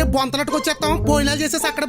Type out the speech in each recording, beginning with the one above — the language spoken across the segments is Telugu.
బొంతలట్టుకు వచ్చేస్తాం, భోజనాలు చేసేసి అక్కడ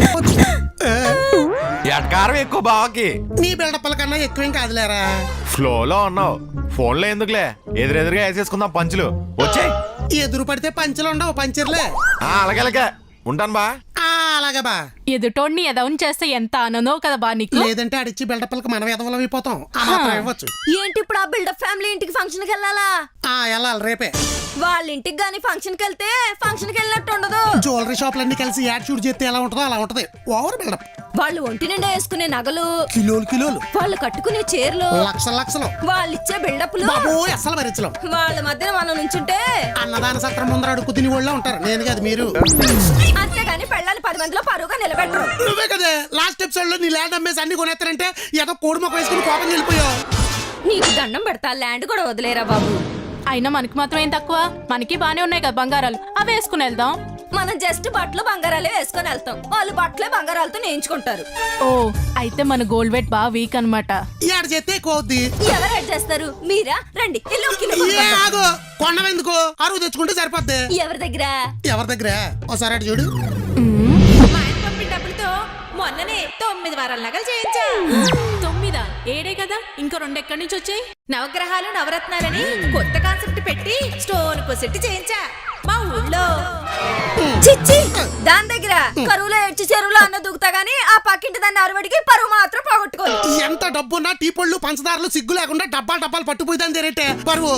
ఎటకారం ఎక్కువ బావకి. నీ బిల్డప్పల కన్నా ఎక్కువేం కాదులేరా. ఫ్లోలో ఉన్నావు, ఫోన్ లో ఎందుకులే, ఎదురెదురుగా వేసేసుకుందాం పంచులు. వచ్చాయి ఎదురు పడితే పంచలు ఉండవు, పంచర్లే. అలాగే ఉంటాను బా. అలాగే బా. ఎదుటోడిని ఎదవని చేస్తే ఎంత ఆనందో కదా బా నీకు. లేదంటే అడిచి బిల్డప్పలకి మనం ఎదవలం అయిపోతాం. ఇవ్వచ్చు. ఏంటి ఇప్పుడు ఆ బిల్డప్ ఫ్యామిలీ ఇంటికి ఫంక్షన్ కి వెళ్ళాలా? వెళ్ళాలి రేపే. వాళ్ళ ఇంటికి గానీ ఫంక్షన్ కి వెళ్తే ఫంక్షన్ కి వెళ్ళినట్టు ఉండదు. జ్యువెలరీ షాపులన్నీ కలిసి యాడ్ షూట్ చేస్తే ఎలా ఉంటుందో అలా ఉంటది. Over build up. వాళ్ళు ఒంటి నిండా వేసుకునే నగలు కిలోలు, వాళ్ళు కట్టుకునే చీరలు లక్షలు, వాళ్ళు ఇచ్చే బిల్డప్లు అసలు భరించలేం. వాళ్ళ మధ్యన మనం నుంచుంటే అన్నదాన సత్రం ముందర అడుగు తిని వాళ్ళు ఉంటారు. నేను కాదు, మీరు. అంతేగాని పెళ్ళాలి 10 మందిలో పరువుగా నిలబెట్టరు. నువ్వే కదా లాస్ట్ ఎపిసోడ్ లో నీ ల్యాండ్ అమ్మేసి అన్ని కొనేస్తారంటే ఏదో కోడి మొక్క వేసుకుని కోపం వెళ్ళిపోయావు. నీకు దండం పెడతా, ల్యాండ్ కూడా వదిలేరా బాబు. అయినా మనకి మాత్రం ఏం తక్కువ, మనకి బానే ఉన్నాయి కదా బంగారాలు, అవి వేసుకుని వెళ్దాం. మనం జస్ట్ బట్టలు బంగారాలే వేసుకొని వెళ్తాం, వాళ్ళు బట్టలే బంగారాలతో నేయించుకుంటారు. ఓ అయితే మన గోల్డ్ వెయిట్ బాగా వీక్ అనమాట. ఏడు చేస్తే ఎక్కువ అవుద్ది. ఎవరు యాడ్ చేస్తారు? మీరా? రండి కొండవెందుకు, అరువు తెచ్చుకుంటే సరిపోద్ది. ఎవరి దగ్గర ఒకసారి అటు చూడు. మా ఆయన పంపిన డబ్బులతో మొన్ననే 9 వారాల నగలు చేయించా. 9 ఏడే కదా, ఇంకా 2 ఎక్కడి నుంచి వచ్చాయి? నవగ్రహాలు నవరత్నాలని కొత్త కాన్సెప్ట్ పెట్టి స్టోన్ సెట్ చేయించా మా ఊళ్ళో. చిచ్చి, దాని దగ్గర కరువులో ఏడ్చి చెరువులో అన్న దూకుతా గానీ ఆ పక్కింటి దాన్ని అరవడికి పరువు మాత్రం పోగొట్టుకోదు. ఎంత డబ్బున్నా టీ పళ్ళు పంచదారులు సిగ్గు లేకుండా డబ్బాలు పట్టుపోయిందని తెరేటే పరువు.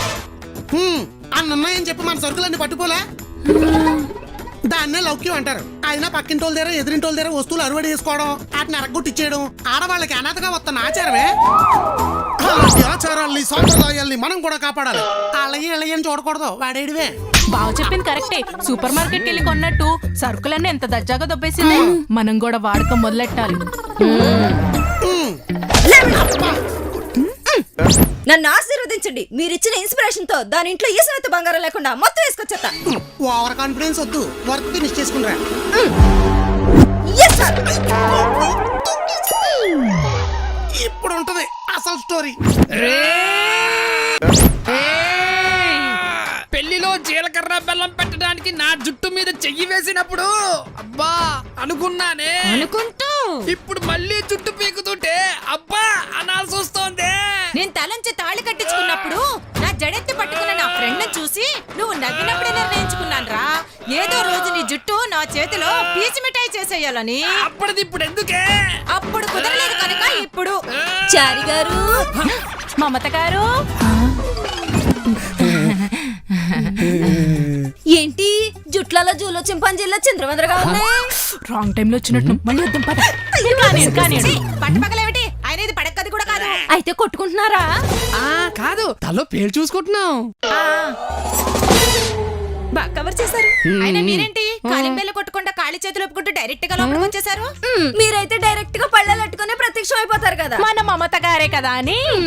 అన్నున్నాయని చెప్పి మన సరుకులన్నీ పట్టుకోలే. దాన్నే లౌక్యం అంటారు. అయినా పక్కింటి వాళ్ళ దగ్గర ఎదురింటి వాళ్ళ దగ్గర వస్తువులు అరువడి చేసుకోవడం, వాటిని అరగొట్టిచ్చేయడం ఆడవాళ్ళకి అనాథగా వస్తున్న ఆచారమే. అలాంటి ఆచారాల్ని సాంప్రదాయాల్ని మనం కూడా కాపాడాలి. అళ్ళయ్యని చూడకూడదు. వాడేడివే. బాగా చెప్పింది కరెక్టే. సూపర్ మార్కెట్ కెళ్ళి కొన్నట్టు సరుకులన్నీ ఎంత దర్జాగా దొబ్బేసింది. మనం కూడా వాడకం మొదలెట్టాలి. నన్ను ఆశీర్వదించండి. మీరిచ్చిన ఇన్స్పిరేషన్ తో దాని ఇంట్లో ఈశ్వరత బంగారం లేకుండా మొత్తం వేసుకొచ్చేస్తా. ఓవర్ కాన్ఫిడెన్స్ వద్దు, వర్క్ ఫినిష్ చేసుకుంటా. ఇప్పుడు ఉంటది అసలు స్టోరీ. పెళ్లిలో జీలకర్ర బెల్లం పెట్టడానికి నా జుట్టు మీద చెయ్యి వేసినప్పుడు అబ్బా అనుకున్నానే. ఇప్పుడు మళ్ళీ జుట్టు పీకుతుంటే అబ్బా అనాల్సి వస్తోంది. నేను తలంచి తాళి కట్టించుకున్నప్పుడు నా జడెత్తి పట్టుకున్న నా ఫ్రెండ్ చూసి నువ్వు నవ్వినప్పుడే నిర్ణయించుకున్నాను రా, ఏదో రోజు నీ జుట్టు నా చేతిలో పీచి మిఠాయి చేసేయాలని. అప్పటిది ఇప్పుడు ఎందుకే? అప్పుడు కుదరలేదు కనుక ఇప్పుడు. చారి గారు, మమత గారు, ఏంటి జుట్లలో జూలో చింపాంజీల్లో చింద్రవందరగా ఉన్నాయి? రాంగ్ టైం లో వచ్చినట్టు. మళ్ళీ వద్దాం పద. పట్టుపగలేమిటి? ఆయన ఇది పడక్కది కూడా కాదు. అయితే కొట్టుకుంటున్నారా? కాదు, తలో పేరు చూసుకుంటున్నాం. బాగా కవర్ చేశారు. అయినా మీరేంటి కాలింబేలు కొట్టకుండా ఖాళీ చేతులు ఒప్పుకుంటూ డైరెక్ట్ గా లోపలికి వచ్చేసారు? మీరైతే డైరెక్ట్ గా పళ్ళెట్టుకునే ప్రత్యక్షం అయిపోతారు కదా. మన మమత గారే కదా అని